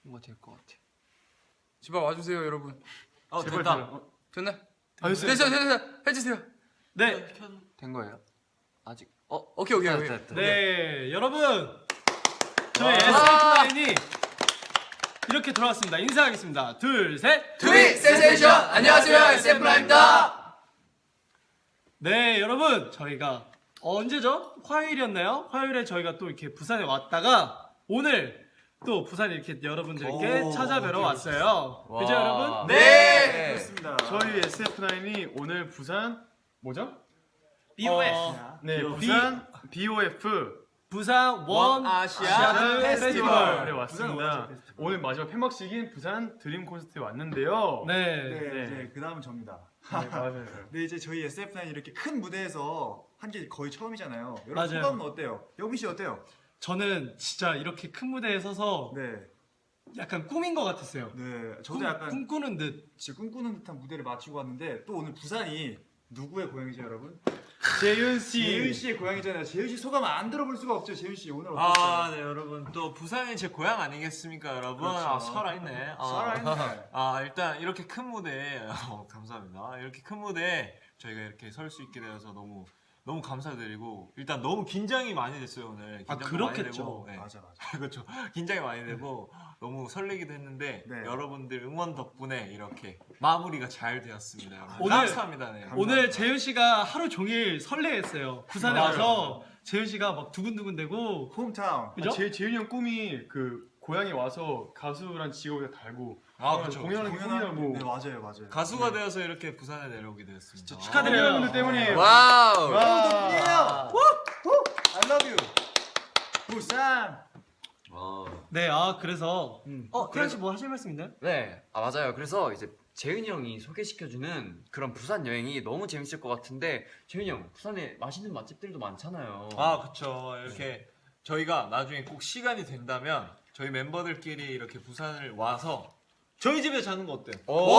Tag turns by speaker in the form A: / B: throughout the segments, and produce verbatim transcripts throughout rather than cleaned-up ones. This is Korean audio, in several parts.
A: 뭔가 될 것 같아. 제발 와주세요, 여러분.
B: 어,
A: 제발
B: 됐다.
A: 어, 됐나?
C: 아, 됐어요.
A: 됐어요, 됐어요. 해주세요.
C: 네.
A: 된 거예요? 아직? 어, 오케이, 오케이, 오케이.
B: 됐다, 됐다.
C: 네, 여러분. 저희 에스에프나인이 이렇게 돌아왔습니다. 인사하겠습니다. 둘, 셋.
A: 트윗 센세이션! 안녕하세요, 에스에프나인입니다.
C: 네, 여러분. 저희가 언제죠? 화요일이었나요? 화요일에 저희가 또 이렇게 부산에 왔다가 오늘 또 부산에 이렇게 여러분들께
B: 오,
C: 찾아뵈러
B: 어디
C: 왔어요.
B: 와.
C: 그죠, 여러분?
A: 네!
B: 그렇습니다.
D: 저희 에스에프나인이 오늘 부산 뭐죠?
C: 비오에프.
D: 어, 네,
C: 비오에프.
D: 부산 비오에프
C: 부산 원 아시아
D: 페스티벌에
C: 페스티벌.
D: 왔습니다. 오늘 마지막 폐막식인 부산 드림 콘서트에 왔는데요.
C: 네.
B: 네,
D: 네.
B: 이제 그 다음은 접니다.
D: 네, 맞아요.
B: 네, 이제 저희 에스에프나인 이렇게 큰 무대에서 한 게 거의 처음이잖아요. 여러분
C: 맞아요.
B: 소감은 어때요? 영민 씨 어때요?
C: 저는 진짜 이렇게 큰 무대에 서서
B: 네,
C: 약간 꿈인 것 같았어요.
B: 네, 저도
C: 꿈,
B: 약간
C: 꿈꾸는 듯.
B: 진짜 꿈꾸는 듯한 무대를 마치고 왔는데 또 오늘 부산이 누구의 고향이죠, 여러분?
D: 재윤 씨.
B: 재윤 씨의 고향이잖아요. 재윤 씨 소감 안 들어볼 수가 없죠. 재윤 씨 오늘 어땠어요?
E: 아, 네, 여러분. 또 부산이 제 고향 아니겠습니까, 여러분?
B: 그렇죠.
E: 아, 살아있네. 아,
B: 살아있네.
E: 아, 일단 이렇게 큰 무대에, 어, 감사합니다. 이렇게 큰 무대에 저희가 이렇게 설 수 있게 되어서 너무, 너무 감사드리고, 일단 너무 긴장이 많이 됐어요, 오늘.
C: 아,
E: 긴장도
C: 그렇겠죠.
E: 많이 되고, 네.
B: 맞아, 맞아.
E: 그렇죠. 긴장이 많이 되고, 너무 설레기도 했는데,
B: 네.
E: 여러분들 응원 덕분에 이렇게 마무리가 잘 되었습니다, 여러분.
C: 오늘-
E: 감사합니다, 네.
C: 오늘 재윤 씨가 하루 종일 설레했어요. 부산에
B: 맞아요.
C: 와서 재윤 씨가 막 두근두근대고.
B: 홈타운.
C: 그죠?
D: 아, 제 재윤이 형 꿈이 그 고향에 와서 가수란 직업을 달고
E: 아, 그렇죠.
D: 공연하는 게 꿈이라고.
B: 네, 맞아요, 맞아요.
E: 가수가 되어서 이렇게 부산에 내려오게 되었습니다.
C: 진짜 축하드려요.
D: 여러분들 때문에
A: 와우!
D: 와.
B: 덕분이에요. I love you. 부산.
C: 네, 아 그래서
B: 음.
C: 어 태연 씨 뭐 하실 말씀 있나요?
A: 네, 아 맞아요. 그래서 이제 재윤이 형이 소개시켜주는 그런 부산 여행이 너무 재밌을 것 같은데 재윤이 형, 부산에 맛있는 맛집들도 많잖아요.
E: 아, 그쵸. 이렇게 저희가 나중에 꼭 시간이 된다면 저희 멤버들끼리 이렇게 부산을 와서 저희 집에 자는 거 어때요?
A: 오!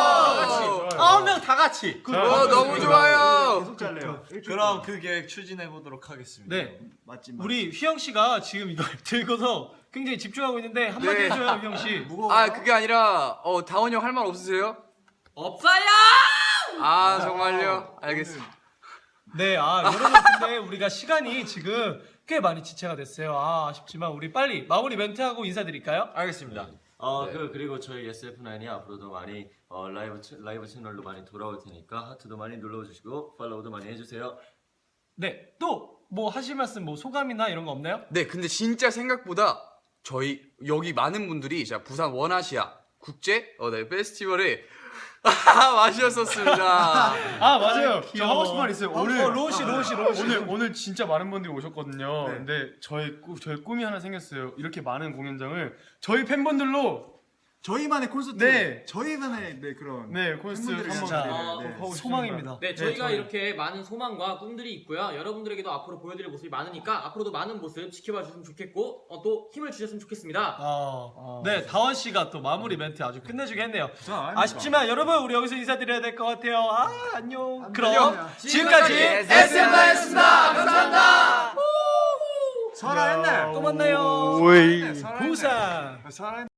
E: 아홉 명 다 같이.
D: 자,
A: 어, 너무 좋아요.
B: 계속 잘래요.
E: 그럼 그 계획 추진해 보도록 하겠습니다.
C: 네,
B: 맞지, 맞지.
C: 우리 휘영 씨가 지금 이걸 들고서 굉장히 집중하고 있는데 한마디
A: 네.
C: 해줘요, 휘영 씨.
B: 무거워.
A: 아, 그게 아니라 어, 다원이 형 할 말 없으세요?
F: 없어요!
A: 아, 정말요? 알겠습니다.
C: 네, 아 여러분 근데 우리가 시간이 지금 꽤 많이 지체가 됐어요. 아 아쉽지만 우리 빨리 마무리 멘트하고 인사드릴까요?
E: 알겠습니다.
F: 어, 그, 그리고 저희 에스에프나인이 앞으로도 많이 어, 라이브, 채- 라이브 채널로 많이 돌아올 테니까 하트도 많이 눌러주시고 팔로우도 많이 해주세요.
C: 네, 또 뭐 하실 말씀, 뭐 소감이나 이런 거 없나요?
A: 네, 근데 진짜 생각보다 저희 여기 많은 분들이 자 부산 원아시아 국제 어, 네, 페스티벌에 와주셨었습니다.
D: 아 맞아요. 저
C: 귀여워.
D: 하고 싶은 말 있어요. 오늘
C: 어, 로시, 로시, 로시.
D: 오늘 오늘 진짜 많은 분들이 오셨거든요.
B: 네.
D: 근데 저희 꿈 저희 꿈이 하나 생겼어요. 이렇게 많은 공연장을 저희 팬분들로
B: 저희만의 콘서트.
D: 네.
B: 저희만의 네 그런.
D: 네 콘서트
B: 팬분들을
D: 한번
C: 진짜
B: 위한
D: 네,
B: 네.
D: 하고 싶습니다.
C: 소망입니다.
F: 네, 저희가
D: 저희-
F: 이렇게 많은 소망과 꿈들이 있고요. 여러분들에게도 앞으로 보여드릴 모습이 많으니까 앞으로도 많은 모습 지켜봐 주셨으면 좋겠고 어, 또 힘을 주셨으면 좋겠습니다.
C: 어, 네, 다원 씨가 또 마무리 멘트 아주 끝내주게 했네요.
B: 부산
C: 아쉽지만 여러분 우리 여기서 인사드려야 될 것 같아요. 아 안녕.
B: 안녕.
C: 그럼 지금까지
A: 에스엠아이였습니다. 감사합니다.
B: 설아 옛날.
C: 또 만나요.
D: 오이.
B: 설아
C: 부산.
B: 옛날. 설아